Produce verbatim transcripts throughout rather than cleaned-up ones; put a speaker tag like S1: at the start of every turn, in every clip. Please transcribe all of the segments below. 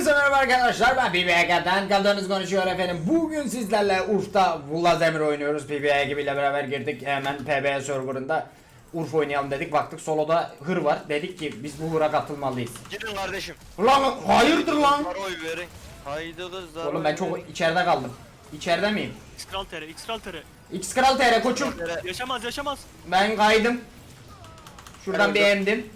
S1: Hepinize merhaba arkadaşlar, ben P B Ege'den kaldığınız konuşuyor efendim. Bugün sizlerle Urf'ta Vlazemir oynuyoruz. P B Ege ile beraber girdik hemen P B serverında. Urf oynayalım dedik, baktık soloda hır var. Dedik ki biz bu hıra katılmalıyız.
S2: Gidin kardeşim.
S1: Ulan hayırdır lan?
S2: Kızlar oy verin. Haydi kızlar.
S1: Oğlum
S2: oy
S1: ben çok
S2: verin.
S1: içeride kaldım. İçeride miyim?
S3: X-Kral T R, X-Kral T R.
S1: X Kral T R koçum.
S3: Yaşamaz, yaşamaz.
S1: Ben kaydım. Şuradan
S2: Ben
S1: bir emdim.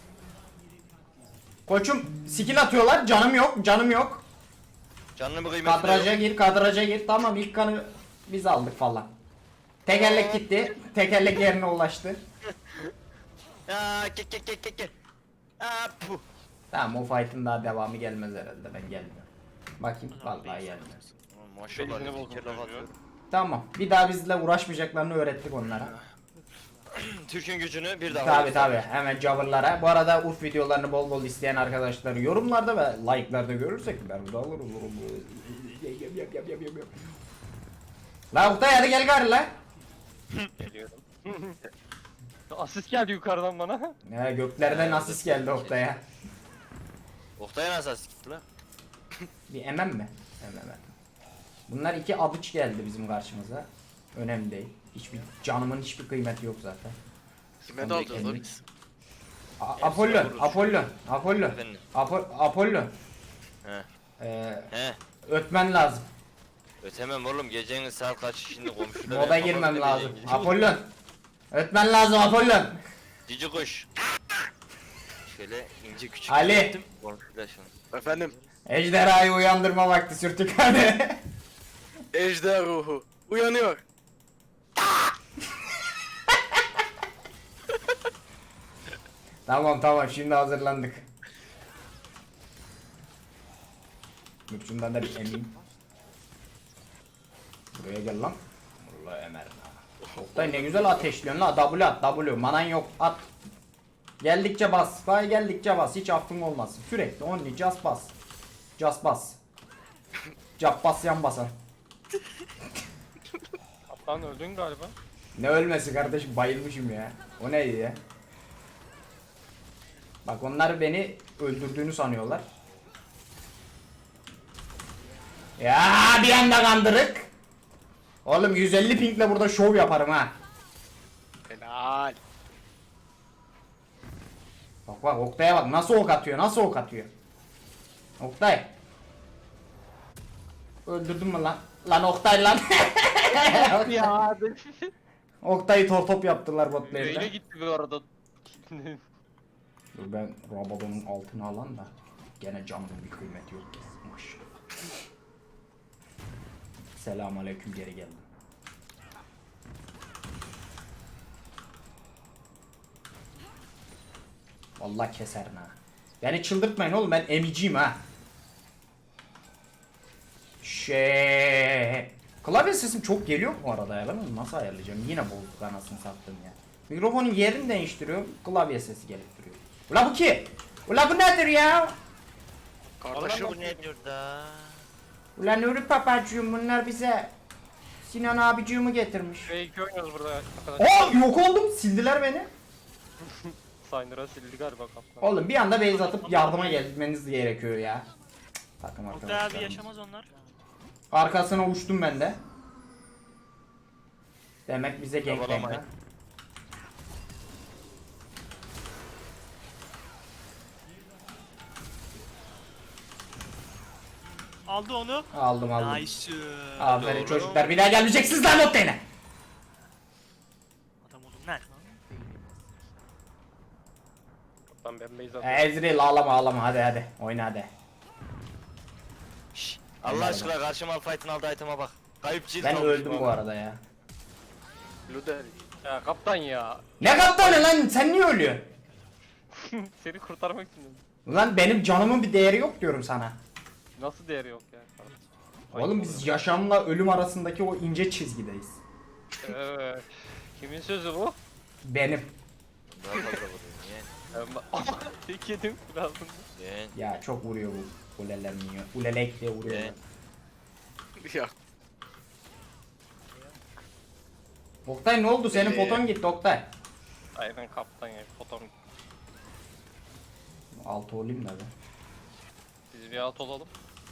S1: Koçum skill atıyorlar, canım yok, canım yok.
S2: Canlı bir kıymeti de
S1: Kadraja
S2: yok.
S1: gir, kadraja gir. Tamam, ilk kanı biz aldık falan. Tekerlek gitti. Tekerlek yerine ulaştı.
S2: Aa kek kek kek kek kek. Aa puh.
S1: Tamam, o fight'ın daha devamı gelmez herhalde, ben gelmiyorum. Bakayım, vallahi gelmiyor.
S2: Aman Maşallah
S4: Belini
S2: ne
S4: bozuldu
S2: fikir
S4: diyor.
S2: laf atıyor.
S1: Tamam, bir daha bizle uğraşmayacaklarını öğrettik onlara.
S2: Türk'ün gücünü bir daha.
S1: Tabi tabi, hemen coverlara. Bu arada Urf videolarını bol bol isteyen arkadaşları yorumlarda ve like'larda görürsek ben de alırım. Yap yap yap yap yap. La Oktay, hadi gel gari la.
S4: Geliyorum. Asist geldi yukarıdan bana.
S1: Ya göklerden asist geldi Oktay'a.
S2: Oktay'a nasıl asist gitti la?
S1: Bir emem mi? Emem. Bunlar iki adıç geldi bizim karşımıza. Önemli değil. Hiçbir canımın hiçbir kıymeti yok zaten.
S5: Kime
S1: Onu
S5: daldınız
S1: kendim-
S5: lan biz?
S1: A- Apollo, Apollo, Apollo,
S2: Efendim?
S1: Apo- Apollo.
S2: He.
S1: Ee,
S2: He.
S1: ötmen lazım.
S2: Ötemem oğlum, gecenin saat kaç şimdi komşular.
S1: Moda girmem lazım. Apollo. Ötmen lazım Apollo.
S2: Cici kuş. Şöyle ince küçük.
S1: Ali.
S2: yaptım, komşular şunu.
S5: Efendim,
S1: Ejderhayı uyandırma vakti sürtük hadi.
S5: ejder ruhu uyanıyor.
S1: Tamam tamam, şimdi hazırlandık. Dur şundan da bir emeyim. Buraya gel lan. Vallahi emerim ha. Oktay ne güzel ateşliyorsun la. W at, W. Manan yok, at. Geldikçe bas. Vay geldikçe bas. Hiç affın olmasın. Sürekli only just bas. Just bas. Cap bas, yan basan.
S4: Kaptan öldün galiba.
S1: Ne ölmesi kardeşim, bayılmışım ya. O neydi ya? Bak onlar beni öldürdüğünü sanıyorlar. Ya bir anda kandırık. Oğlum yüz elli pingle burada şov yaparım ha.
S5: Helal.
S1: Bak bak Oktay'a bak, nasıl ok atıyor, nasıl ok atıyor. Oktay. Öldürdün mü lan? Lan Oktay lan.
S4: Ya
S1: Oktay'ı tortop yaptılar
S4: Neyle
S1: botlarında.
S4: gitti bu arada?
S1: Dur ben Rabadon'un altına alan da gene canımın bir kıymeti yok. Maşallah. Selamünaleyküm, geri geldim. Vallahi keserim ha. Beni çıldırtmayın oğlum, ben emiciyim ha. Şey. Klavye sesim çok geliyor mu bu arada ya? Ben onu nasıl ayarlayacağım? Yine bozduk anasını sattım ya. Mikrofonun yerini değiştiriyorum, klavye sesi gelip duruyor. Ula bu ki? Ula bu nedir ya?
S5: Kardeşim,
S2: Bu ne diyor da?
S1: Ulan Nuri papacığım, bunlar bize Sinan abicığımı getirmiş.
S4: Fake oynuyoruz burada arkadaşlar.
S1: Aa, yok oldum, sildiler beni.
S4: Signer'a sildi galiba kaptan.
S1: Oğlum bir anda base atıp yardıma gelmeniz gerekiyor ya. Takım
S3: Oktay abi
S1: arkadaşlar.
S3: yaşamaz onlar.
S1: Arkasına uçtum ben de. Demek bize gangbang ha.
S2: Kovalamayın.
S3: Aldı onu.
S1: Aldım aldım.
S3: Nice.
S1: Aferin
S2: Doğru.
S1: çocuklar, bir daha gelmeyeceksiniz lan Oktay'ına.
S3: Adam oğlum nerede lan?
S4: Kaptan ben base atıyorum.
S1: Ezreal ağlama ağlama, hadi hadi oyna hadi.
S2: Şşş. Allah aşkına karşıma fight'ın aldığı item'a bak. Kayıp cilt
S1: Ben
S2: almış
S1: öldüm bu
S2: bana.
S1: arada ya.
S5: Luder.
S4: Ya kaptan ya.
S1: Ne kaptanı lan, sen niye ölüyorsun?
S4: Seni kurtarmak için dedim.
S1: Lan benim canımın bir değeri yok diyorum sana.
S4: Nasıl değeri yok ya?
S1: Oğlum biz yaşamla ölüm arasındaki o ince çizgideyiz.
S4: Evet. Kimin sözü bu?
S1: Benim.
S2: Daha fazla vuruyor. Niye?
S4: Ama tek yedim birazdan.
S2: Niye?
S1: Ya çok vuruyor bu. Uleler minyon. Ulelek diye vuruyor.
S2: Ne?
S5: Ya
S1: Oktay ne oldu? Senin
S5: Ee.
S1: foton gitti Oktay.
S4: Aynen kaptan ya. Fotom.
S1: Altı olayım da ben.
S4: Biz Bir alt olalım.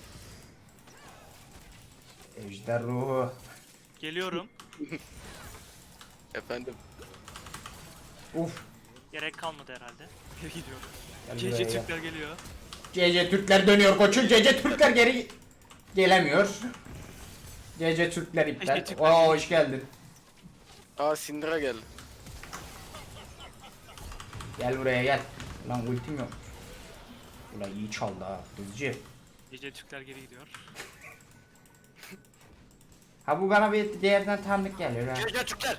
S1: Ejder ruhu.
S3: Geliyorum.
S5: Efendim.
S1: Uf.
S3: Gerek kalmadı herhalde. Geri gidiyorum.
S1: Gel
S3: C
S1: buraya
S3: C
S1: gel.
S3: Türkler geliyor.
S1: C C Türkler dönüyor koçum. C C Türkler geri gelemiyor. C C Türkler iptal.
S3: C C Türkler
S1: Oo hoş geldin.
S5: Aa Syndra geldi.
S1: Gel buraya gel. Lan ultim yok. Ulan iyi çaldı ha hızcı.
S3: C C Türkler geri gidiyor.
S1: Ha bu bana bir diğerden tanıdık geliyor ha.
S2: Gel gel Türkler.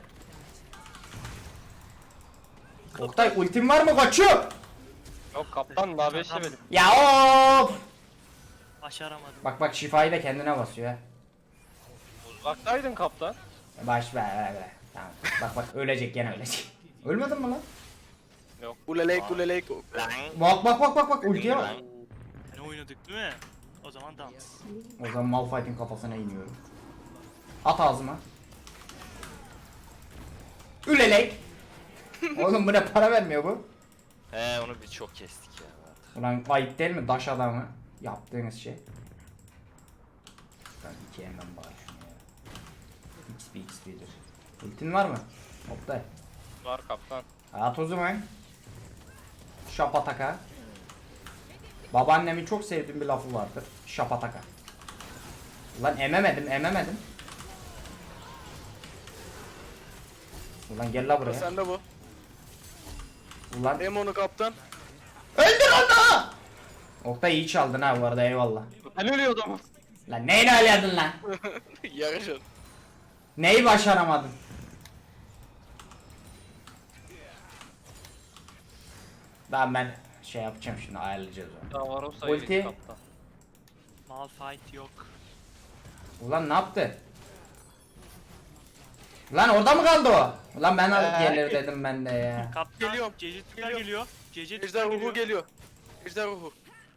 S1: Oktay ultim var mı koçum?
S4: Yok kaptan daha beş yemedim.
S1: Ya of.
S3: Başaramadım.
S1: Bak bak şifayı da kendine basıyor ha.
S4: Uzaktaydın kaptan.
S1: Baş ver ver ver. Tamam. Bak bak ölecek gene ölecek. Ölmedin mi lan?
S4: Yok.
S5: Uleleyk uleleyk.
S2: Lan.
S1: Bak bak bak bak bak ultiye bak.
S3: Ne oynadık değil mi? O zaman dans.
S1: O zaman Malphite'in kafasına iniyorum. At ağzıma. Ülelek. Oğlum bu ne para vermiyor bu?
S2: He onu biz çok kestik ya.
S1: Ulan ayıp değil mi daş adamı yaptığınız şey? Ben iki hemen bari şunu ya. X P X P'dir. Ultin var mı? Oktay.
S4: Var kaptan.
S1: At o zaman. Şapataka. Babaannemin çok sevdiğim bir lafı vardır. Şapataka. Ulan ememedim ememedim. Ulan gel la buraya.
S5: Sen de bu.
S1: Ulan
S5: Demonu kaptan.
S1: öldür onu! Oktay iyi çaldın ha bu arada eyvallah.
S4: Ben ölüyordum.
S1: Lan neyle alıyordun lan?
S5: Yarışın.
S1: Neyi başaramadın? Ben ben şey yapacağım şimdi ayarlayacağız onu.
S4: Ya var o sayıydı
S1: Ulti.
S4: kaptan.
S3: Malphite yok.
S1: Ulan ne yaptı? Lan orada mı kaldı o? Ulan ben alıp
S4: Ee.
S1: gelir dedim ben de ya.
S3: Kaptan
S5: Geliyorum,
S3: C C Türkler
S5: geliyorum.
S3: geliyor. C C
S5: Ejder
S3: Türkler
S5: ruhu
S3: geliyor.
S5: geliyor. Ejder ruhu.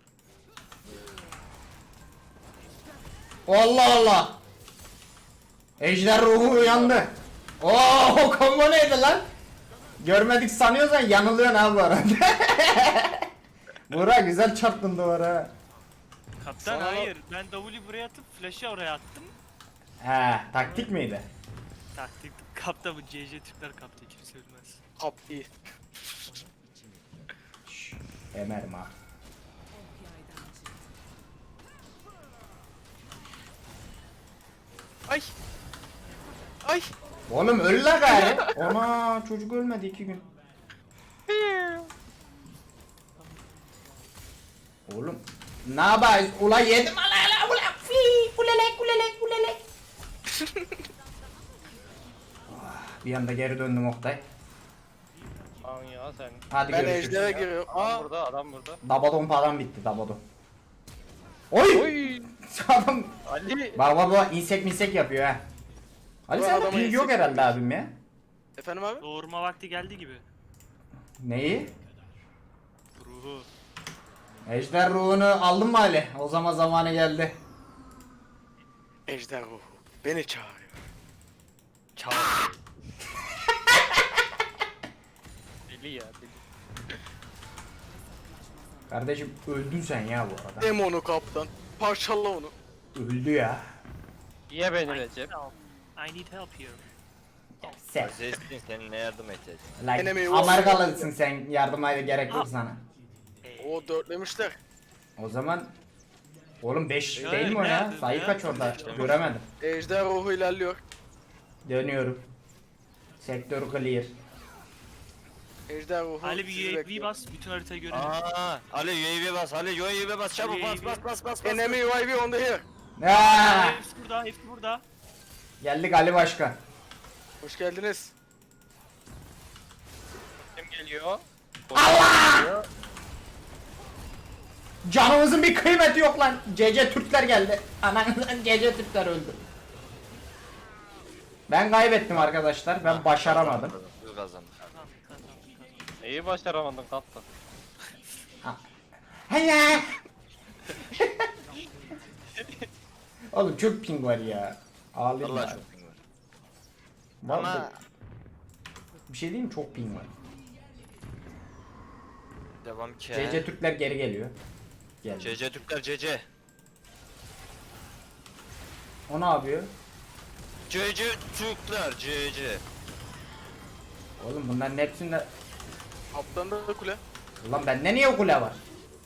S1: Allah Allah. Ejder ruhu uyandı. Oo combo neydi lan? Görmedik sanıyorsan yanılıyorsun abi bu arada. Burak güzel çarptın duvara.
S3: Kaptan
S5: Sana-
S3: hayır. Ben W buraya atıp flash'ı oraya attım.
S1: He taktik miydi?
S3: Taktik. Kaptan bu C C Türkler kaptı. Kimse bilmez.
S5: Kap iyi.
S1: Şşş, emerim ha.
S5: Ay. Ay.
S1: Oğlum öl la gari. Ona çocuk ölmedi iki gün. Oğlum ne yapayız? Ula yedim ala ala ula fi ulelek ulelek ulelek. Ah, bir anda geri döndüm Oktay.
S4: Lan ya sen.
S1: Hadi
S5: Ben
S1: görüşürüz.
S5: ejdere giriyorum.
S4: Adam
S5: Aa.
S4: burada, adam burada.
S1: Dabadon falan bitti Dabadon. Oy!
S4: Oy!
S1: Adam
S4: Ali!
S1: bak bak bak insek minsek yapıyor ha. Ali
S5: Bu
S1: sen de
S5: adama
S1: ping yok
S5: insek
S1: herhalde
S5: yapmış.
S1: abim ya.
S5: Efendim abi?
S3: Doğurma vakti geldi gibi.
S1: Neyi?
S3: Ruhu.
S1: Ejder ruhunu aldın mı Ali? O zaman zamanı geldi.
S5: Ejder ruhu. Beni çağırıyor.
S2: Çağır.
S4: Deli ya deli.
S1: Kardeşim öldün sen ya bu arada.
S5: Demonu kaptan. Parçala onu.
S1: Öldü ya.
S4: Ye beni Recep.
S3: Help. I need help here.
S1: Sen.
S2: Zestin seninle yardım edeceğiz.
S1: Like,
S5: Enemy
S1: Amerikalısın sen yardıma gerek yok sana.
S5: O dörtlemişler.
S1: O zaman oğlum beş
S3: Ya,
S1: değil mi o ya?
S3: nerede
S1: Sayı
S3: ya?
S1: kaç orada?
S2: İşte.
S1: Göremedim.
S5: Ejder ruhu ilerliyor.
S1: Dönüyorum. Sektör clear.
S5: Ejder ruhu
S3: Ali bir
S5: sizi
S3: U A V
S5: bekliyor.
S3: bas. Bütün haritayı görelim.
S2: Aa, Ali U A V bas, Ali U A V bas, çabuk bas bas bas bas bas.
S5: Enemy U A V on the here.
S1: Aa!
S3: Hepsi burada. Hepsi burada.
S1: Geldik Ali Başkan.
S5: Hoş geldiniz.
S4: Kim geliyor?
S1: Allah! Canımızın bir kıymeti yok lan. C C Türkler geldi. Ananızdan C C Türkler öldü. Ben kaybettim arkadaşlar. Ben başaramadım.
S2: Biz kazandık.
S3: Kazandık kazandık kazandık.
S4: Neyi başaramadın kaptan?
S1: Hayya. Oğlum çok ping var ya. Ağlayayım
S2: Allah
S1: bari.
S2: çok ping var.
S1: Vallahi
S2: Ama
S1: bir şey diyeyim mi? Çok ping var.
S2: devam ki.
S1: C C Türkler geri geliyor. geldi.
S2: C C Türkler C C.
S1: O ne yapıyor?
S2: C C Türkler C C.
S1: Oğlum bunların hepsinde...
S5: Alttan da kule.
S1: Ulan bende niye kule var?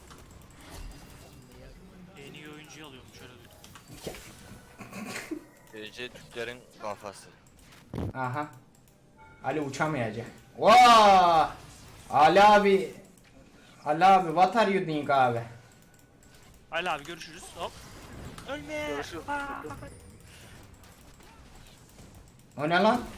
S3: En iyi oyuncuyu alıyormuş öyle.
S2: C C Türklerin kafası.
S1: Aha. Ali uçamayacak. Vaa! Ali abi. Ali abi what are you doing abi?
S3: Ali abi görüşürüz. Hop. Ölme.
S5: Görüşürüz.
S1: O ne lan?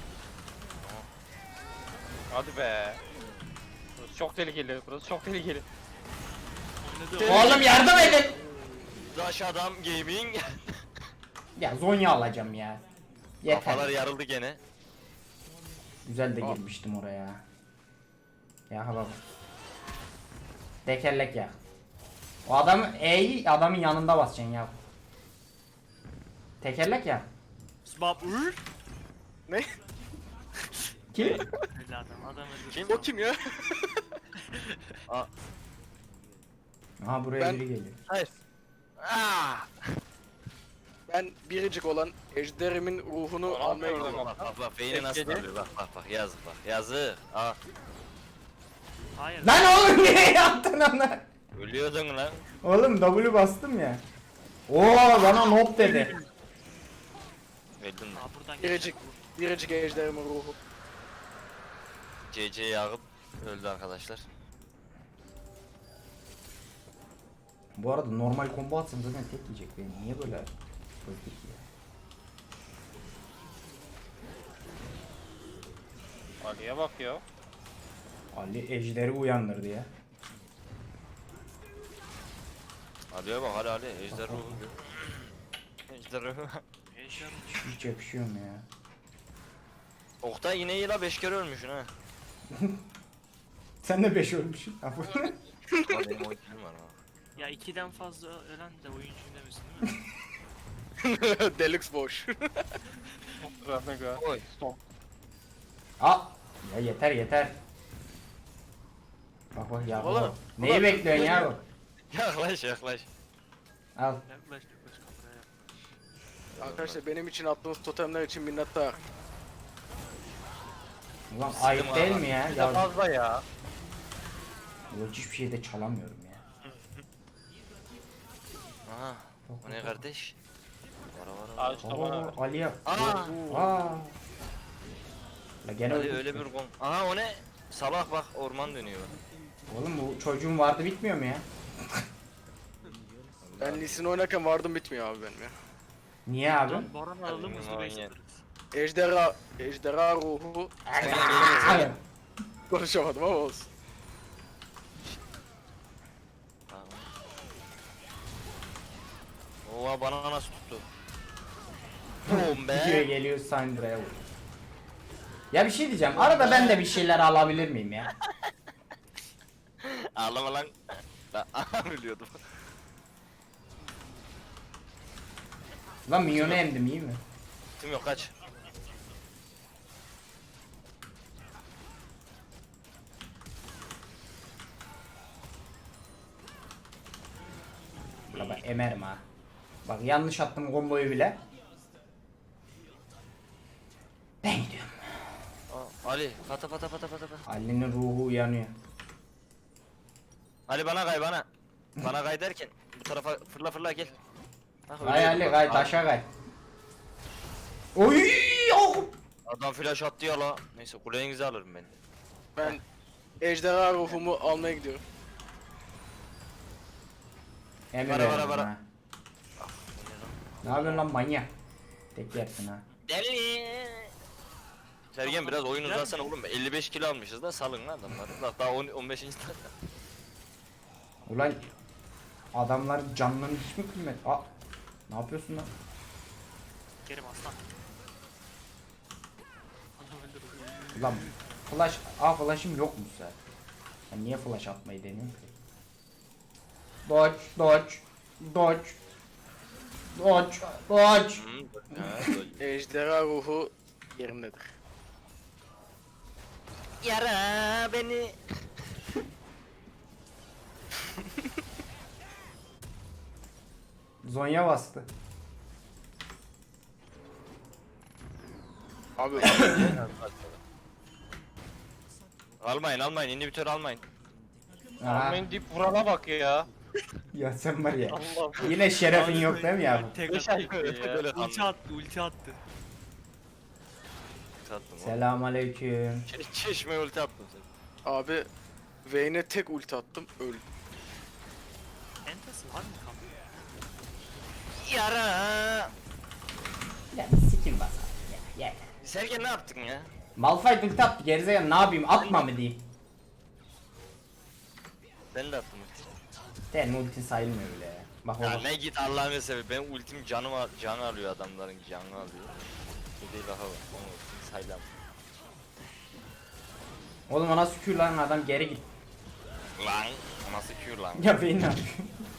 S4: Hadi be. Burası çok tehlikeli. Burası çok tehlikeli.
S3: Oynadı.
S1: Oğlum yardım edin.
S2: Daş adam gaming.
S1: Ya Zonya alacağım ya. Yeter.
S2: Kafalar yarıldı gene.
S1: Güzel de girmiştim oraya. Ya bak. Tekerlek ya. O adam E'yi adamın yanında basacaksın ya. Tekerlek ya.
S3: Sbab ur.
S5: Ne?
S1: Kim?
S3: Öyle adam. Adam öldü.
S2: Kim?
S5: O kim ya?
S2: Aa,
S1: Aha buraya
S5: Ben-
S1: biri geliyor.
S2: hayır. Aa!
S5: Ben biricik olan ejderimin ruhunu
S4: Aa,
S5: almaya
S4: orada
S5: gidiyorum.
S2: Bak bak bak beyni nasıl
S4: Etkili.
S2: alıyor bak bak bak yazık bak yazık. Aa,
S3: Hayır.
S1: Lan oğlum niye yaptın onu?
S2: ölüyordun lan.
S1: Oğlum W bastım ya. Oo bana nope dedi.
S2: Öldün lan.
S3: Aa buradan
S5: Biricik,
S3: geçeceğim.
S5: biricik ejderimin ruhu.
S2: C C'ye yağıp öldü arkadaşlar.
S1: Bu arada normal combo atsam zaten tek yiyecek beni. Niye böyle öldük ya?
S4: Ali'ye bak ya.
S1: Ali ejderi uyandırdı ya.
S2: Ali'ye bak hadi Ali ejder ruhu. Ejder ruhu.
S3: Ejder
S1: Hiç yakışıyor mu ya?
S2: Oktay yine iyi la beş kere ölmüşsün ha.
S1: Sen de beş ölmüşsün.
S2: Ama benim oyuncum var ha.
S3: Ya ikiden fazla ölen de oyuncuyum demesin değil mi?
S5: Deluxe boş.
S4: Rahmega.
S2: Oy.
S4: Stop.
S1: Aa! Ya yeter yeter. Bak bak ya.
S5: Oğlum,
S1: Neyi
S5: ulan-
S1: bekliyorsun ya?
S2: Yaklaş yaklaş.
S1: Al.
S3: Yaklaş yaklaş kameraya yaklaş.
S5: Arkadaşlar benim için attığınız totemler için minnettar.
S1: Ulan
S2: Sıkım
S1: ayıp değil
S2: abi.
S1: mi ya?
S4: Bir de
S1: Ya
S4: fazla ya.
S1: bu hiçbir şey de çalamıyorum ya.
S2: Aha. O ne kardeş? Vara vara
S4: Al
S2: vara.
S4: işte bana.
S1: Oo, Ali'ye.
S2: Aa!
S1: Aa. La gene
S2: Ali
S1: öldük.
S2: öyle bir kon. Aha o ne? Sabah bak orman dönüyor.
S1: Oğlum bu çocuğun vardı bitmiyor mu ya?
S5: Ben Lee Sin oynarken vardım bitmiyor abi benim ya.
S1: Niye abi?
S3: Lan Baran alalım hızlı
S2: Aynen.
S3: base atarız.
S5: Ejderha, ejderha ruhu.
S1: Abi.
S5: Konuşamadım ama olsun.
S2: Oha bana nasıl tuttu? Boom
S1: Gidiyor
S2: be.
S1: geliyor Sandra'ya vuruyor. Ya bir şey diyeceğim. Arada ben de bir şeyler alabilir miyim ya?
S2: Ağlama lan. Lan aha biliyordum.
S1: Lan minyonu emdim iyi mi?
S2: Tim yok kaç.
S1: La bak emerim ha. Bak yanlış attım komboyu bile. Ben gidiyorum.
S2: Aa, Ali pata pata pata pata pata.
S1: Ali'nin ruhu uyanıyor.
S2: Ali bana kay bana. Bana kay derken bu tarafa fırla fırla gel. Bak,
S1: Kay
S2: öyle
S1: Ali
S2: bak.
S1: kay taşa kay. Oy! Oh!
S2: Adam flash attı ya la. Neyse kulenizi alırım ben.
S5: Ben ejderha ruhumu almaya gidiyorum.
S1: Emir
S2: Bara, bara,
S1: veriyorum
S2: bara.
S1: ha. Ne yapıyorsun lan manyak? Tek yersin ha.
S2: Deli. Sergen biraz oyun uzatsana oğlum. elli beş kilo almışız da salın lan adamları. Bak daha on beşinci dakika.
S1: Ulan adamların canlarının hiç mi kıymet? Aa, ne yapıyorsun lan?
S3: Kerim aslan. Adam öldürdü.
S1: Ulan flash, aa flash'ım yokmuş zaten. Ben niye flash atmayı deniyorum ki? Dodge, dodge, dodge, dodge, dodge.
S2: Hı, ha, böyle.
S5: Ejderha ruhu yerindedir.
S2: Yara beni.
S1: Zonya bastı.
S5: Abi
S2: Almayın almayın inhibitör almayın.
S1: Aha.
S4: Almayın deyip vurana bak ya.
S1: Ya sen var ya.
S4: Allah'ım.
S1: Yine şerefin yok değil mi ya?
S3: Tek
S4: Beş
S3: attı.
S4: ay ya.
S2: Böyle
S3: Ulti attı, ulti attı.
S2: Tatlım.
S1: Selamünaleyküm.
S2: Çe- Çeşme ulti attım sen.
S5: abi Vayne'e tek ulti attım öldü.
S3: Entası var mı kanka?
S2: Yara.
S1: Ya sikim bas abi ya. Ya.
S2: Sergen ne yaptın ya?
S1: Malphite ulti attı gerizekalı, ne yapayım, atma mı diyeyim.
S2: Ben de attım ulti.
S1: Senin ultin sayılmıyor bile ya. Bak
S2: Ya
S1: oğlum.
S2: ne git Allah'ını sever. Ben ultim canı al canı alıyor adamların canı alıyor. Bu değil daha var. Onu ultim saylam.
S1: Oğlum ona sükür lan, adam geri git.
S2: Lan nasıl Q lan?
S1: Ya beni ne yapıyor?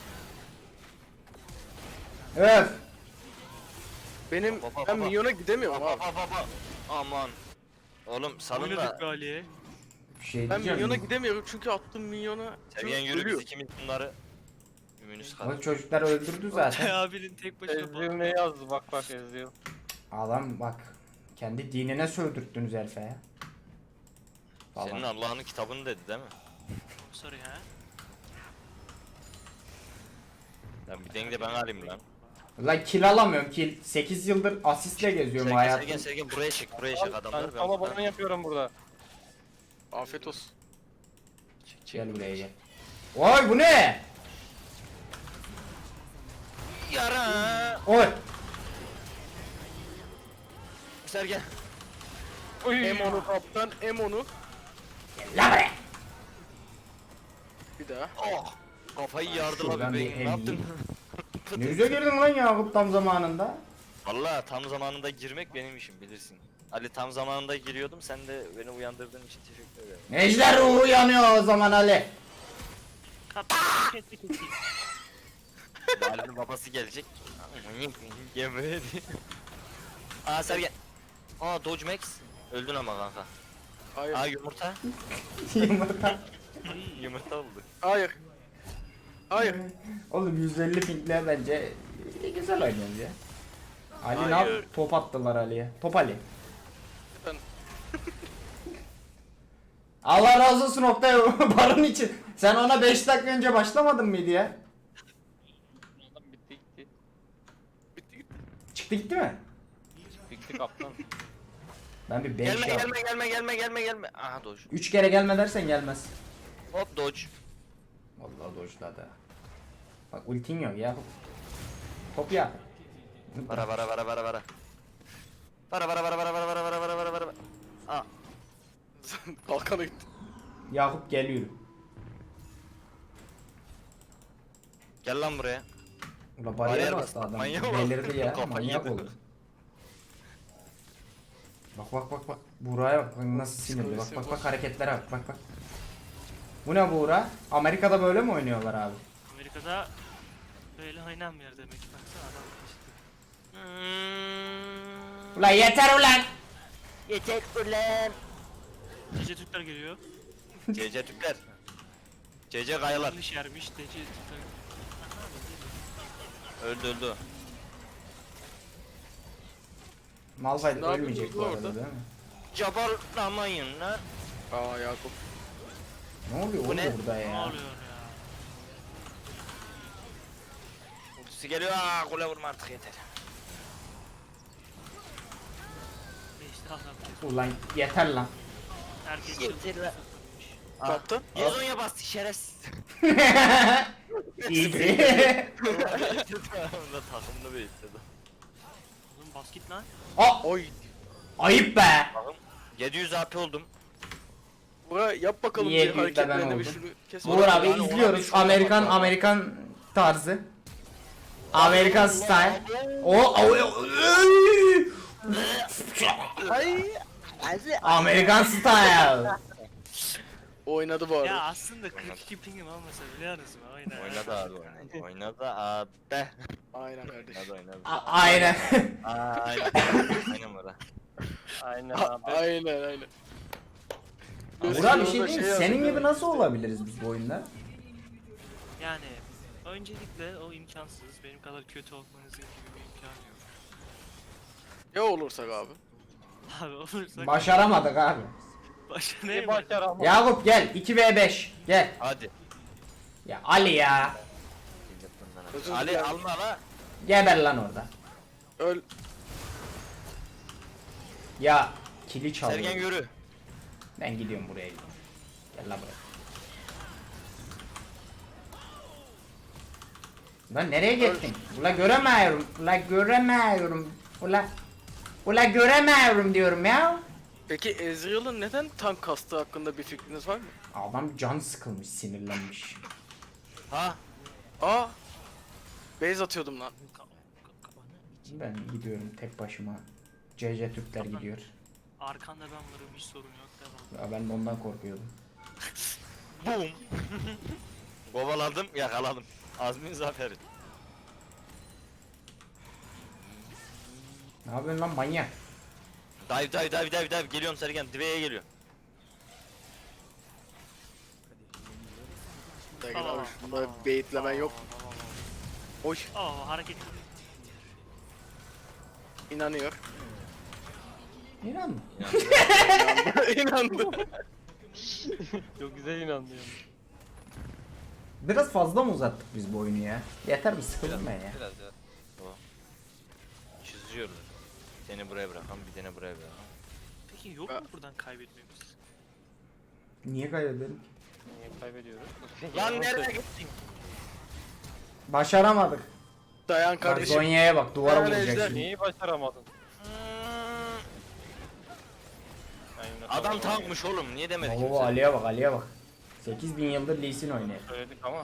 S1: Öf.
S5: Benim
S2: Baba,
S5: ben
S2: baba.
S5: minyona gidemiyorum
S2: Baba
S5: abi.
S2: baba baba. Aman. Oğlum salın
S3: Oynadık
S2: da.
S3: be Ali'ye.
S1: Bir şey
S5: Ben
S1: diyeceğim.
S5: minyona gidemiyorum çünkü attığım minyona
S2: Sergen yürü biz
S5: ölüyor.
S2: ikimiz bunları. Ümünüz
S1: O
S2: kalır.
S1: çocuklar öldürdü zaten.
S3: abinin tek başına
S4: Ezreal ne yazdı bak bak Ezreal.
S1: Adam bak. Kendi dinine sövdürttünüz herife ya.
S2: Senin
S1: Falan.
S2: Allah'ın kitabını dedi değil mi?
S3: Sorry ha.
S2: Lan bir denge ben alayım lan.
S1: Lan kill alamıyorum, kill. sekiz yıldır asistle geziyorum
S2: Sergen
S1: hayatım.
S2: Sergen Sergen buraya çek buraya çek
S4: Ben
S2: adamları.
S4: sana
S2: buradan-
S4: bunu yapıyorum burada.
S5: Afiyet olsun.
S2: Çek, çek.
S1: Gel buraya gel. Oy bu ne?
S2: Yara.
S1: Oy.
S2: Sergen.
S4: Oy.
S5: Em onu kaptan, em onu.
S1: La buraya.
S5: Bir daha.
S2: Oh. Kafayı yardı
S1: Şuradan
S2: lan
S1: bir
S2: bebeğim.
S1: el
S2: Ne yaptın?
S1: Ne güzel girdin lan Yakup tam zamanında.
S2: Valla tam zamanında girmek benim işim bilirsin. Ali tam zamanında giriyordum sen de beni uyandırdığın için teşekkür ederim.
S1: Ejder ruhu yanıyor o zaman Ali.
S3: Kapı ketti ketti.
S2: Ali'nin babası gelecek. Gevredi. Aa Sergen. Aa Dodge Max. Öldün ama kanka.
S5: Hayır.
S2: Aa yumurta.
S1: Yumurta.
S2: Yumurta oldu.
S5: Hayır. Hayır.
S1: Oğlum yüz elli pingle bence e, güzel oynuyoruz ya. Ali ne
S5: Hayır.
S1: yap? Top attılar Ali'ye. Top Ali.
S5: Ben-
S1: Allah razı olsun Oktay barın için. Sen ona beş dakika önce başlamadın mıydı ya?
S4: Adam bitti gitti.
S5: Bitti gitti.
S1: Çıktı gitti mi?
S4: Bitti kaptan.
S1: Ben bir beş
S2: Gelme
S1: yap.
S2: gelme gelme gelme gelme gelme. Aha Dodge.
S1: Üç kere gelme dersen gelmez.
S2: Hop Dodge.
S1: Vallahi dojladı. Bak ultin yok ya. Top yap.
S2: Para para para para para. Para para para para para para para para para para. Aa.
S5: Kalkana gitti.
S1: Yakup geliyor.
S2: Gel lan buraya.
S1: Ula
S2: Bariyer
S1: bariyer
S2: bastı,
S1: bastı adam.
S2: manyak oldu.
S1: Belirdi ya.
S2: Kafayı
S1: Manyak
S2: yedi.
S1: oldu. Bak bak bak bak. Buğra'ya bak. Bak nasıl sinirli. Bak bak bak hareketlere bak. Bak bak. Bu ne Buğra? Amerika'da böyle mi oynuyorlar abi?
S3: Amerika'da böyle oynanmıyor demek ki baksana adam işte.
S2: Hmm.
S1: Ulan yeter ulan.
S2: Yeter ulan.
S3: Gece Türkler geliyor.
S2: C C Türkler. C C kayalar.
S3: Yanlış yermiş Gece Türkler.
S2: Öldü öldü.
S1: Malphite
S5: Ne
S1: ölmeyecek bu
S5: yapıyorsunuz
S1: arada
S5: orada?
S1: değil mi?
S2: Cabalamayın lan.
S5: Aa Yakup.
S1: Ne oluyor
S2: Bu
S1: oğlum
S2: ne?
S1: burada
S3: Ne
S1: ya?
S3: oluyor ya?
S2: Ultisi geliyor. Aa kule vurma artık yeter.
S3: Beşte adam.
S1: Ulan yeter lan.
S3: Herkes
S2: Yeter lan.
S5: Kaptan.
S2: Yezonya bastı şerefsiz.
S1: İyiydi.
S2: Takımda takımda bekledi.
S3: Oğlum bas git lan.
S1: Aa,
S5: Oy.
S1: ayıp be.
S2: yedi yüz A P oldum.
S5: Bura yap bakalım
S1: Niye
S5: bir
S1: bir de ben
S5: hareketlerini bir
S1: oldum?
S5: şunu kes.
S1: Uğur abi
S2: Yani ona
S1: izliyoruz.
S2: bir şuna
S1: Amerikan
S2: bak ya.
S1: Amerikan tarzı. Amerikan style. O o- o-
S2: Ay.
S1: Amerikan style.
S5: Oynadı bu
S3: Ya
S5: arada.
S3: aslında kırk iki pingim olmasa biliyor musun? Oyna.
S2: Oynadı abi oynadı. Oynadı abi.
S5: Aynen kardeşim.
S2: Oynadı oynadı.
S1: A- aynen.
S2: Aa, aynen. Aynen bura.
S4: Aynen
S5: A-
S4: abi.
S5: Aynen aynen.
S1: Burak bir şey
S5: Gözlerinde
S1: diyeyim mi?
S5: şey
S1: Senin
S5: yazıyor.
S1: gibi nasıl olabiliriz biz bu oyunda?
S3: Yani Öncelikle o imkansız. Benim kadar kötü olmanızın gibi bir imkanı yok.
S5: Ya olursak abi.
S3: Abi olursak
S1: Başaramadık abi.
S3: başa
S4: Ne
S3: neye
S4: başar ama.
S1: Yakup gel iki ve beş gel.
S2: Hadi.
S1: Ya Ali ya.
S5: Özür
S2: Ali
S5: dilerim.
S2: alma la.
S1: Geber lan orada.
S5: Öl.
S1: Ya kili çalıyor.
S2: Sergen yürü.
S1: Ben gidiyorum buraya gidiyorum. Gel lan buraya. Lan nereye gittin? Ula göremiyorum. Ula göremiyorum. Ula Ula göremiyorum diyorum ya.
S5: Peki Ezreal'ın neden tank kastığı hakkında bir fikriniz var mı?
S1: Adam can sıkılmış, sinirlenmiş.
S2: Ha?
S5: Aa. Base atıyordum lan.
S1: Ben gidiyorum tek başıma. C C Türkler gidiyor.
S3: Arkanda ben varım, hiç sorun yok, devam.
S1: Ya ben de ondan korkuyordum.
S2: Boom. Kovaladım, yakaladım. Azmin zaferi.
S1: Ne yapıyorsun lan manyak?
S2: Dive dive dive dive dive. Geliyorum Sergen. Dive'ye geliyor.
S5: Sergen abi şunda baitlemen yok. Oy.
S3: Aa hareket.
S5: İnanıyor.
S1: İnan mı?
S5: İnandı.
S4: Çok güzel inanıyorum.
S1: Biraz fazla mı uzattık biz bu oyunu ya? Yeter mi sıkıldım ben ya.
S4: Biraz ya.
S2: Çiziyorlar. Bir tane buraya bırakalım, bir tane buraya bırakalım.
S3: Peki yok mu buradan kaybetmemiz?
S1: Niye kaybedelim ki?
S4: Niye kaybediyoruz?
S2: Lan nereye gittin?
S1: Başaramadık.
S5: Dayan
S1: Bak
S5: kardeşim.
S1: Zonya'ya bak duvara
S5: Dayan
S1: vuracak
S5: Ejder.
S1: şimdi.
S4: Neyi başaramadın? Aynen,
S2: Adam
S4: tamam.
S2: tankmış oğlum. Niye demedik
S1: Oo
S2: kimse?
S1: Ali'ye bak Ali'ye bak. sekiz bin yıldır Lee Sin oynuyor.
S4: Söyledik ama.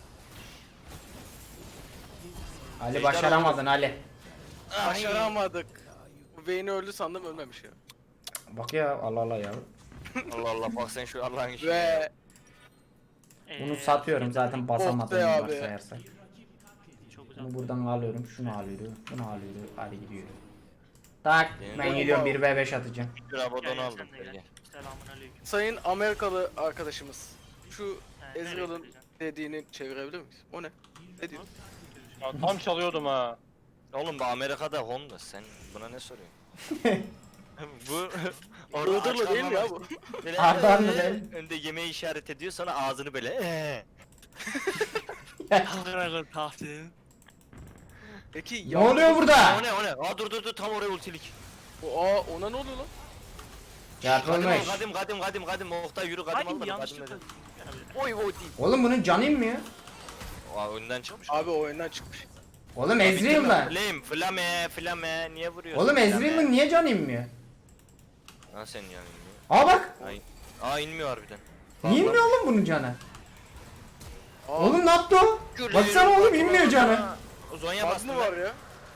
S1: Ali
S2: Ejder
S1: başaramadın Ali.
S2: Ay.
S5: Başaramadık. Bu Vayne öldü sandım ölmemiş ya.
S1: Bak ya Allah Allah ya.
S2: Allah Allah bak sen şu Allah'ın işine.
S5: Ve
S3: Ee,
S1: Bunu satıyorum zaten basamadım
S5: Oh be abi.
S1: varsayarsak.
S3: Çok güzel.
S1: Bunu buradan alıyorum, şunu alıyorum, bunu alıyorum, Ali gidiyor. Tak,
S2: Benim
S1: ben
S2: de-
S1: gidiyorum bir ve beş atacağım.
S2: Bir abadon
S3: Gel, gel,
S2: aldım
S3: sen de gel.
S2: Sergen.
S3: Selamun aleyküm.
S5: sayın Amerikalı arkadaşımız. Şu
S3: He, nereye
S5: Ezreal'ın
S3: gideceksin?
S5: dediğini çevirebilir miyiz? O ne? Ne diyor?
S4: Ya, tam çalıyordum ha.
S2: Oğlum bu Amerika'da Honda sen buna ne soruyorsun? bu
S5: Iğdırlı değil mi ya bu?
S2: Böyle,
S1: Ardahanlı
S2: "Ee",
S1: değil.
S2: önde yemeği işaret ediyor sonra ağzını böyle "Ee".
S3: Kalkın akıl tahtinin.
S5: Peki
S1: Ne
S5: ya.
S1: oluyor burada?
S2: O ne o ne? Aa dur dur dur tam oraya ultilik.
S5: O, aa ona ne oluyor lan?
S2: Kadim al
S1: Yapılmış.
S2: kadim kadim kadim kadim Oktay yürü kadim al
S3: Hadi
S2: bana
S3: yanlışlıkla.
S2: kadim
S3: Yani
S2: Oy oy değil.
S1: Oğlum bunun canı inmiyor.
S2: Aa önden çıkmış.
S5: Abi o oyundan çıkmış.
S1: Oğlum Ezreal'la.
S2: Flame flame flame niye vuruyorsun?
S1: Oğlum
S2: Flame.
S1: Ezreal'ın niye canı inmiyor?
S2: Ha sen yani inmiyor.
S1: Aa bak.
S2: Ay. Aa inmiyor harbiden.
S1: Niye inmiyor oğlum bunun canı?
S5: Aa,
S1: Oğlum ne yaptı o? Baksana oğlum inmiyor canı.
S2: O Zonya
S5: bug
S2: bastı
S5: mı
S2: var
S5: var ya?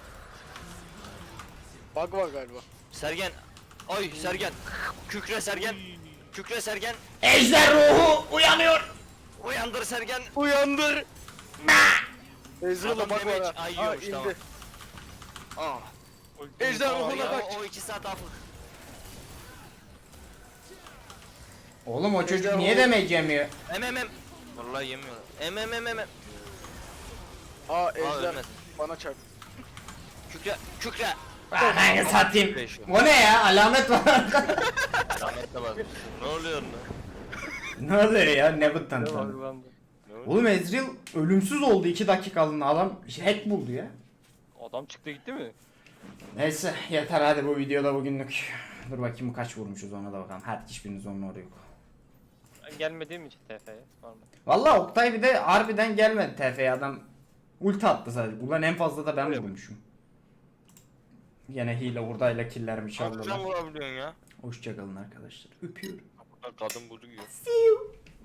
S5: Bug var galiba.
S2: Sergen. Ay Sergen. Kükre Sergen. Kükre Sergen.
S1: Ejder ruhu uyanıyor.
S2: Uyandır Sergen.
S5: Uyandır. Ezreal'a
S2: Adam
S5: bug var
S2: damage-
S5: ha.
S2: Ay,
S5: Ha
S2: yiyormuş,
S5: indi.
S2: tamam. Aa.
S5: Ejder
S2: O,
S5: ruhuna
S2: ya,
S5: kaç.
S2: o iki saat afık.
S1: Oğlum o çocuk
S5: Ejder
S1: niye
S5: ruhu-
S1: demek yemiyor?
S2: Em em em. Vallahi yemiyorlar. Em em em em. em.
S5: Aa Ejder
S2: ölmedi.
S5: bana çarptı.
S2: Kükre. Kükre.
S1: Ben satayım. O ne ya? Alamet var.
S2: Rahmet de var. Ne oluyor lan?
S1: Ne oluyor ya? Ne bu
S4: Ne
S1: tanıtım?
S4: varlandı.
S2: Ne oluyor?
S1: Oğlum Ezreal ölümsüz oldu iki dakikalığına adam hack buldu ya.
S4: Adam çıktı gitti mi?
S1: Neyse yeter hadi bu videoda bugünlük. Dur bakayım kaç vurmuşuz ona da bakalım. Hadi hiçbiriniz onun oraya yok.
S4: Ben gelmediğim için T F'ye. Normal.
S1: Valla Oktay bir de harbiden gelmedi T F'ye adam. Ulti attı sadece. Ulan en fazla da ben
S4: Öyle mi?
S1: vurmuşum. Yine hile hurdayla killerimi
S2: Çok güzel
S1: çaldılar.
S2: vurabiliyorsun ya.
S1: Hoşçakalın arkadaşlar. Öpüyorum.
S2: Kadın budu yiyor.
S1: See you.